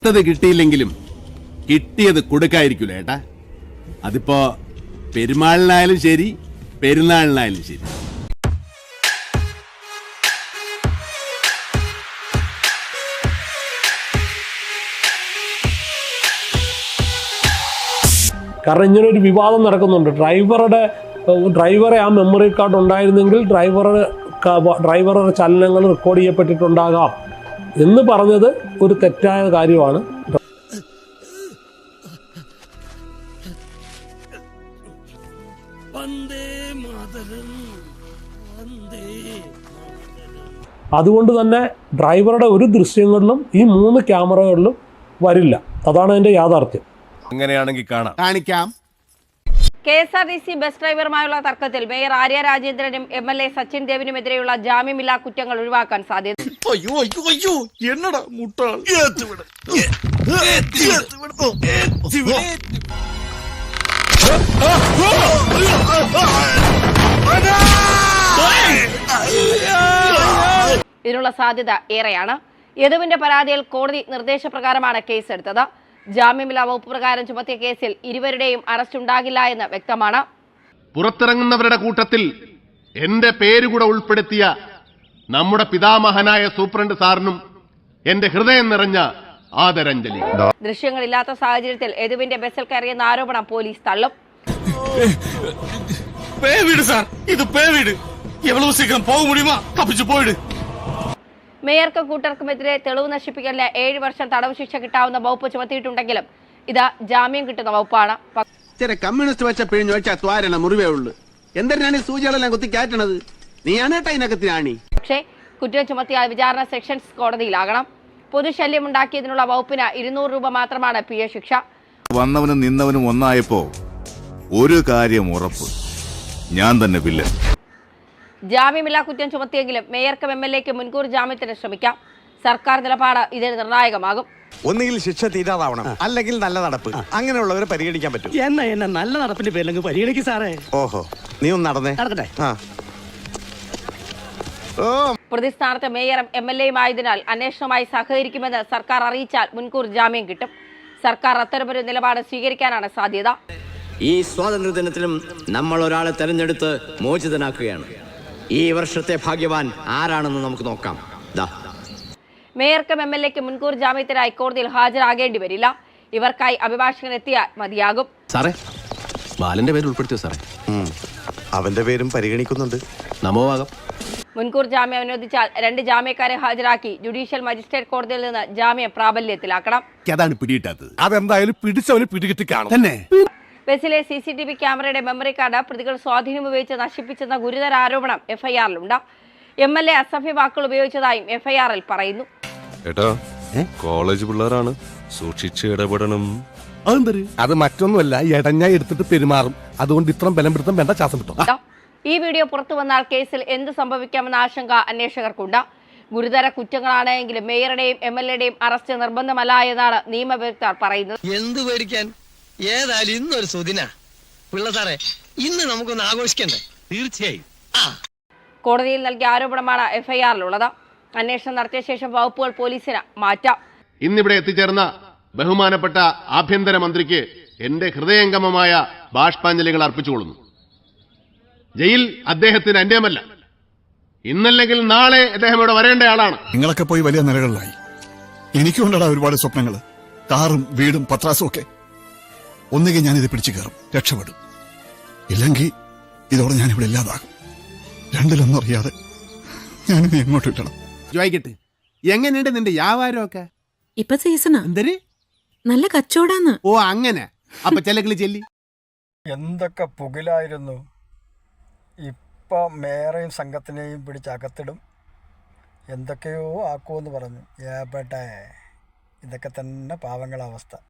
കിട്ടിയില്ലെങ്കിലും കിട്ടിയത് കൊടുക്കായിരിക്കൂല ഏട്ടാ. അതിപ്പോ പെരുമാളിനായാലും ശരി, പെരുന്നാളിനായാലും ശരി. കാരണം ഇങ്ങനൊരു വിവാദം നടക്കുന്നുണ്ട്. ഡ്രൈവറെ ആ മെമ്മറി കാർഡ് ഉണ്ടായിരുന്നെങ്കിൽ ഡ്രൈവറുടെ ചലനങ്ങൾ റെക്കോർഡ് ചെയ്യപ്പെട്ടിട്ടുണ്ടാകാം എന്ന് പറഞ്ഞത് ഒരു തെറ്റായ കാര്യമാണ്. അതുകൊണ്ട് തന്നെ ഡ്രൈവറുടെ ഒരു ദൃശ്യങ്ങളിലും ഈ 3 ക്യാമറകളിലും വരില്ല. അതാണ് അതിന്റെ യാഥാർത്ഥ്യം. അങ്ങനെയാണെങ്കിൽ കാണിക്കാം. KSRTC ബസ് ഡ്രൈവർമായുള്ള തർക്കത്തിൽ മേയർ ആര്യ രാജേന്ദ്രനും MLA സച്ചിൻ ദേവിനുമെതിരെയുള്ള ജാമ്യമില്ലാ കുറ്റങ്ങൾ ഒഴിവാക്കാൻ സാധ്യത. ഇതിനുള്ള സാധ്യത ഏറെയാണ്. യദുവിന്റെ പരാതിയിൽ കോടതി നിർദ്ദേശപ്രകാരമാണ് കേസെടുത്തത്. ജാമ്യമില്ലാ വകുപ്പ് പ്രകാരം ചുമത്തിയ കേസിൽ ഇരുവരുടെയും അറസ്റ്റ് ഉണ്ടാകില്ല എന്ന് വ്യക്തമാണ്. പുറത്തിറങ്ങുന്നവരുടെ കൂട്ടത്തിൽ എന്റെ പേരുകൂടെ ഉൾപ്പെടുത്തിയ നമ്മുടെ പിതാമഹനായ സൂപ്രണ്ട് സാറിനും എന്റെ ഹൃദയം നിറഞ്ഞ ആദരാഞ്ജലി. ദൃശ്യങ്ങളില്ലാത്ത സാഹചര്യത്തിൽ യദുവിന്റെ ബസ്സിൽ കയറിയെന്ന ആരോപണം പോലീസ് തള്ളും. മേയർക്കും കൂട്ടർക്കുമെതിരെ തെളിവ് നശിപ്പിക്കലിന് 7 വർഷം തടവ് ശിക്ഷ കിട്ടാവുന്ന വകുപ്പ് ചുമത്തിയിട്ടുണ്ടെങ്കിലും ഇത് ജാമ്യം കിട്ടുന്ന വകുപ്പാണ്. കമ്മ്യൂണിസ്റ്റ് വെച്ച പിഴിഞ്ഞു വെച്ചാൽ ത്വാരണ മുറിവേ ഉള്ളു. എന്തിനാണ് ഈ സൂചികളെല്ലാം കുത്തി കയറ്റണത്? നീയാണേട്ടാ ഇതിനകത്തിനാണി. പക്ഷേ കുറ്റം ചുമത്തിയാൽ വിചാരണ സെഷൻസ് കോടതിയിലാകണം. പൊതുശല്യം ഉണ്ടാക്കിയതിനുള്ള വകുപ്പിന് 200 രൂപ മാത്രമാണ് പിഴ ശിക്ഷ. വന്നവനും നിന്നവനും ഒന്നായപ്പോ ഒരു കാര്യം ഉറപ്പ്, ഞാൻ തന്നെ വില്ലൻ. ജാമ്യമില്ലാ കുറ്റം ചുമത്തിയെങ്കിലും മേയർക്കും MLAക്കും മുൻകൂർ ജാമ്യത്തിന് ശ്രമിക്കാം. സർക്കാർ നിലപാട് ഇതിൽ നിർണായകമാകും. ഒന്നുകിൽ ശിക്ഷ തീരാതാവണം, അല്ലെങ്കിൽ നല്ല നടപ്പ്. അങ്ങനെയുള്ളവരെ പരിഗണിക്കാൻ പറ്റും. എന്നെ നല്ല നടപ്പിന്റെ പേരിൽ പരിഗണിക്കും സാറേ. ഓഹോ, നീ ഒന്ന് നടന്നേ. നടക്കട്ടെ. പ്രതിസ്ഥാനത്ത് മേയറും MLAയും ആയതിനാൽ അന്വേഷണവുമായി സഹകരിക്കുമെന്ന് സർക്കാർ അറിയിച്ചാൽ മുൻകൂർ ജാമ്യം കിട്ടും. സർക്കാർ അത്തരമൊരു നിലപാട് സ്വീകരിക്കാനാണ് സാധ്യത. ഈ സ്വാതന്ത്ര്യദിനത്തിലും നമ്മൾ ഒരാളെ തെരഞ്ഞെടുത്ത് മോചിതനാക്കുകയാണ്. ഈ വർഷത്തെ ഭാഗ്യവാൻ ആരാണെന്ന് നമുക്ക് നോക്കാം. മേയർക്കും MLAക്കും മുൻകൂർ ജാമ്യത്തിനായി കോടതിയിൽ ഹാജരാകേണ്ടി വരില്ല. ഇവർക്കായി അഭിഭാഷകൻ എത്തിയാൽ മതിയാകും. സാറേ, ബാലന്റെ പേര് ഉൾപ്പെടുത്തിയോ സാറേ? അവന്റെ പേരും പരിഗണിക്കുന്നുണ്ട്. നമോവാകം. മുൻകൂർ ജാമ്യം അനുവദിച്ചാൽ 2 ജാമ്യക്കാരെ ഹാജരാക്കി ജുഡീഷ്യൽ മജിസ്ട്രേറ്റ് കോടതിയിൽ നിന്ന് ജാമ്യം പ്രാബല്യത്തിലാക്കണം. അതാണ് പിടിയിട്ടത്. അതെന്തായാലും പിടിച്ചവന് പിടികിട്ടി കാണും തന്നെ. ബസ്സിലെ CCTV ക്യാമറയുടെ മെമ്മറി കാർഡ് പ്രതികൾ സ്വാധീനം ഉപയോഗിച്ച് നശിപ്പിച്ചെന്ന ഗുരുതര ആരോപണം FIR-ലുണ്ട്. MLA അസഭ്യ വാക്കുകൾ ഉപയോഗിച്ചതായും FIR-ൽ പറയുന്നു. കോളേജ് പിള്ളേരാണ്, സൂക്ഷിച്ച് ഇടപെടണം. അത് മറ്റൊന്നുമല്ല, എടഞ്ഞ എടുത്തിട്ട് പെരുമാറും. അതുകൊണ്ട് ഇത്രയും ബലം പിടുത്തം വേണ്ട, ശ്വാസം കിട്ടും. ഈ വീഡിയോ പുറത്തു വന്നാൽ കേസിൽ എന്ത് സംഭവിക്കാമെന്ന ആശങ്ക അന്വേഷകർക്കുണ്ട്. ഗുരുതര കുറ്റങ്ങളാണ് എങ്കിലും മേയറുടെയും MLAയുടെയും അറസ്റ്റ് നിർബന്ധമല്ല എന്നാണ് നിയമവിദഗ്ധർ പറയുന്നത്. എന്ത് പേടിക്കാൻ? ഏതായാലും ഇന്നൊരു സുദിന പിള്ള സാറേ, ഇന്ന് നമുക്കൊന്ന് ആഘോഷിക്കണ്ടേ? തീർച്ചയായും. കോടതിയിൽ നൽകിയ ആരോപണമാണ് FIR-ലുള്ളത്. അന്വേഷണം നടത്തിയ ശേഷം വകുപ്പുകൾ പോലീസിന് മാറ്റാം. ഇന്നിവിടെ എത്തിച്ചേർന്ന ബഹുമാനപ്പെട്ട ആഭ്യന്തരമന്ത്രിക്ക് എന്റെ ഹൃദയംഗമമായ ബാഷ്പാഞ്ജലികൾ അർപ്പിച്ചുകൊള്ളുന്നു. ജയിൽ അദ്ദേഹത്തിന് അന്യമല്ല. ഇന്നല്ലെങ്കിൽ നാളെ അദ്ദേഹം ഇവിടെ വരേണ്ട ആളാണ്. നിങ്ങളൊക്കെ പോയി വലിയ നിലകളിലായി. എനിക്കുണ്ടടാ ഒരുപാട് സ്വപ്നങ്ങൾ, കാറും വീടും പത്രാസും ഒക്കെ. ഒന്നുകിൽ ഞാനിത് പിടിച്ചു കയറും, രക്ഷപ്പെടും. ഇല്ലെങ്കിൽ ഇതോടെ ഞാനിവിടെ ഇല്ലാതാകും. രണ്ടിലൊന്നും അറിയാതെ ഞാനിത് എങ്ങോട്ട് വിട്ടണം. ചോദിക്കട്ടെ, എങ്ങനെയുണ്ട് നിന്റെ വ്യാപാരമൊക്കെ? ഇപ്പൊ സീസണാ, നല്ല കച്ചവടാന്ന്. ഓ അങ്ങനെ. അപ്പൊ ചിലകളി ചെല്ലി എന്തൊക്കെ പുകിലായിരുന്നു. ഇപ്പൊ മേയറേയും സംഘത്തിനെയും പിടിച്ചകത്തിടും, എന്തൊക്കെയോ ആക്കുമെന്ന് പറഞ്ഞു. ഏപ്പെട്ടെ, ഇതൊക്കെ തന്നെ പാവങ്ങളെ അവസ്ഥ.